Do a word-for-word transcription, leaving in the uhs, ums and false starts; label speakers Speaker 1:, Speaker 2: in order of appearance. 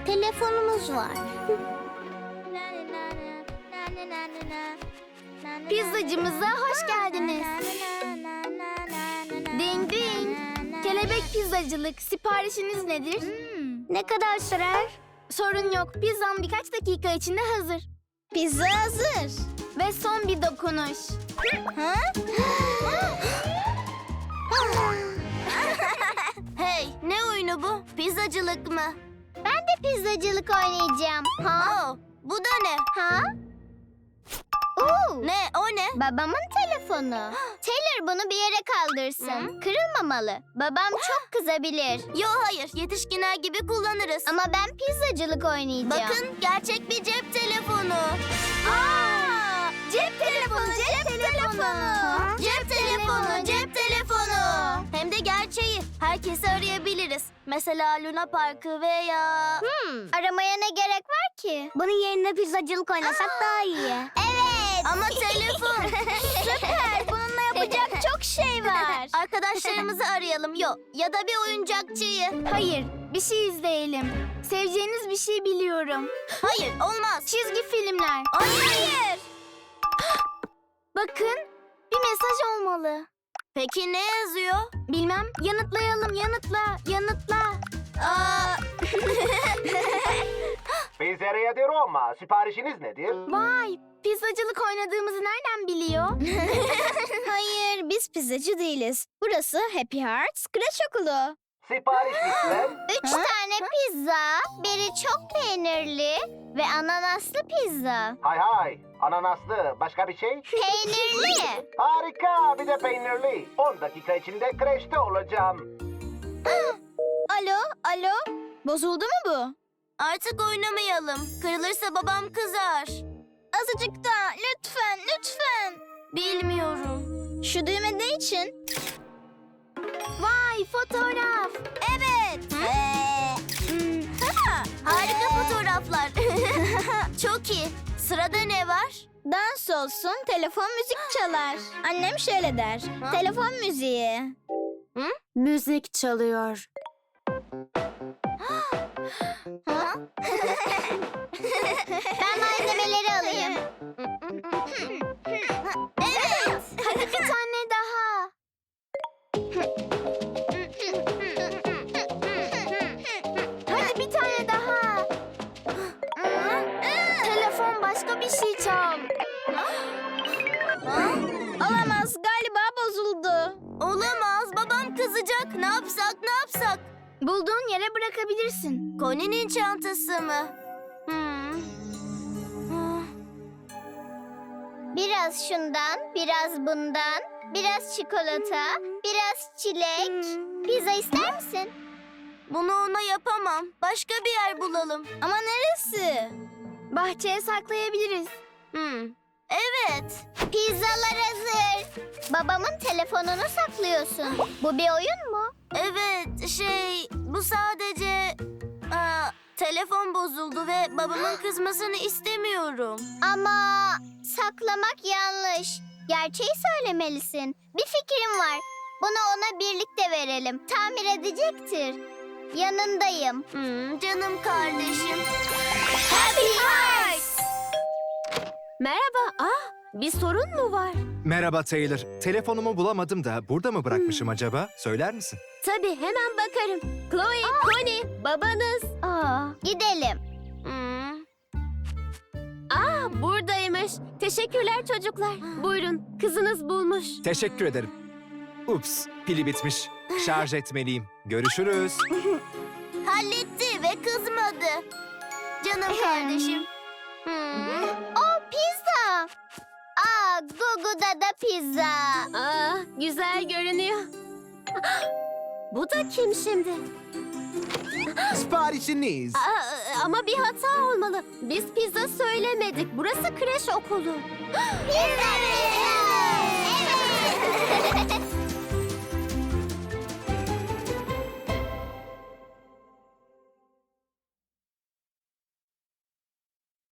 Speaker 1: telefonumuz var.
Speaker 2: Pizzacımıza hoş geldiniz. Ding ding. Kelebek pizzacılık. Siparişiniz nedir?
Speaker 1: Ne kadar sürer?
Speaker 2: Sorun yok. Pizzam birkaç dakika içinde hazır.
Speaker 1: Pizza hazır.
Speaker 2: Ve son bir dokunuş.
Speaker 1: Ha?
Speaker 2: Hey, ne oyunu bu? Pizzacılık mı?
Speaker 1: Ben de pizzacılık oynayacağım. Ha?
Speaker 2: Oo, bu da ne?
Speaker 1: Ha? Oo.
Speaker 2: Ne, o ne?
Speaker 1: Babamın telefonu. Taylor bunu bir yere kaldırsın. Kırılmamalı. Babam çok kızabilir.
Speaker 2: Yo hayır, yetişkinler gibi kullanırız.
Speaker 1: Ama ben pizzacılık oynayacağım.
Speaker 2: Bakın, gerçek bir cep telefonu. Aa! Cep telefonu, cep, telefonu. Cep telefonu, cep telefonu. Hem de gerçeği. Herkesi arayabiliriz. Mesela Luna Park'ı veya...
Speaker 1: Hmm. Aramaya ne gerek var ki? Bunun yerine pizzacılık oynasak daha iyi. Evet.
Speaker 2: Ama telefon.
Speaker 1: Süper. Bununla yapacak çok şey var.
Speaker 2: Arkadaşlarımızı arayalım. Yo, ya da bir oyuncakçıyı. Hayır, bir şey izleyelim. Seveceğiniz bir şey biliyorum. Hayır, olmaz. Çizgi filmler. Hayır. Bakın, bir mesaj olmalı. Peki ne yazıyor? Bilmem. Yanıtlayalım, yanıtla, yanıtla. Aa.
Speaker 3: Pizzeria di Roma. Siparişiniz nedir?
Speaker 2: Vay, pizzacılık oynadığımızı nereden biliyor?
Speaker 1: Hayır, biz pizzacı değiliz. Burası Happy Hearts Kreş Okulu.
Speaker 3: Sipariş lütfen.
Speaker 1: Üç tane pizza, biri çok peynirli ve ananaslı pizza.
Speaker 3: Hay hay. Ananaslı. Başka bir şey?
Speaker 1: Peynirli.
Speaker 3: Harika. Bir de peynirli. on dakika içinde kreşte olacağım.
Speaker 1: Alo, alo. Bozuldu mu bu?
Speaker 2: Artık oynamayalım. Kırılırsa babam kızar.
Speaker 1: Azıcık daha, lütfen, lütfen.
Speaker 2: Bilmiyorum.
Speaker 1: Şu düğme ne için?
Speaker 2: Vay, fotoğraf.
Speaker 1: Evet.
Speaker 2: Hmm. Harika fotoğraflar. Çok iyi. Sırada ne var?
Speaker 1: Dans olsun, telefon müzik çalar. Annem şöyle der.
Speaker 2: Ha?
Speaker 1: Telefon müziği.
Speaker 2: Hı?
Speaker 4: Müzik çalıyor.
Speaker 2: Ha?
Speaker 1: Ben malzemeleri alayım.
Speaker 2: Evet. Hadi bir tane daha. Hadi bir tane daha. Telefon başka bir şey çal.
Speaker 1: Olamaz, galiba bozuldu.
Speaker 2: Olamaz. Babam kızacak. Ne yapsak, ne yapsak? Bulduğun yere bırakabilirsin. Connie'nin çantası mı? Hmm. Ah.
Speaker 1: Biraz şundan, biraz bundan, biraz çikolata, biraz çilek. Pizza ister misin?
Speaker 2: Bunu ona yapamam. Başka bir yer bulalım.
Speaker 1: Ama neresi?
Speaker 2: Bahçeye saklayabiliriz. Hmm. Evet.
Speaker 1: Pizzalar hazır. Babamın telefonunu saklıyorsun. Bu bir oyun mu?
Speaker 2: Evet, şey, bu sadece... Aa, telefon bozuldu ve babamın kızmasını istemiyorum.
Speaker 1: Ama saklamak yanlış. Gerçeği söylemelisin. Bir fikrim var. Bunu ona birlikte verelim. Tamir edecektir. Yanındayım.
Speaker 2: Hmm, canım kardeşim.
Speaker 1: Happy Hearts!
Speaker 2: Merhaba. Ah, bir sorun mu var?
Speaker 5: Merhaba Taylor. Telefonumu bulamadım da burada mı bırakmışım acaba? Söyler misin?
Speaker 2: Tabii, hemen bakarım. Chloe, Connie, babanız.
Speaker 1: Aa, gidelim.
Speaker 2: Hmm. Aa, buradaymış. Teşekkürler çocuklar. Buyurun, kızınız bulmuş.
Speaker 5: Teşekkür ederim. Ups, pili bitmiş. Şarj etmeliyim. Görüşürüz.
Speaker 2: Halletti ve kızmadı. Canım kardeşim. Hmm.
Speaker 1: O pizza. Aa, Gugu'da da pizza.
Speaker 2: Aa, güzel görünüyor. Bu da kim şimdi?
Speaker 6: Siparişiniz.
Speaker 2: Aa, ama bir hata olmalı. Biz pizza söylemedik. Burası kreş okulu.
Speaker 1: Pizza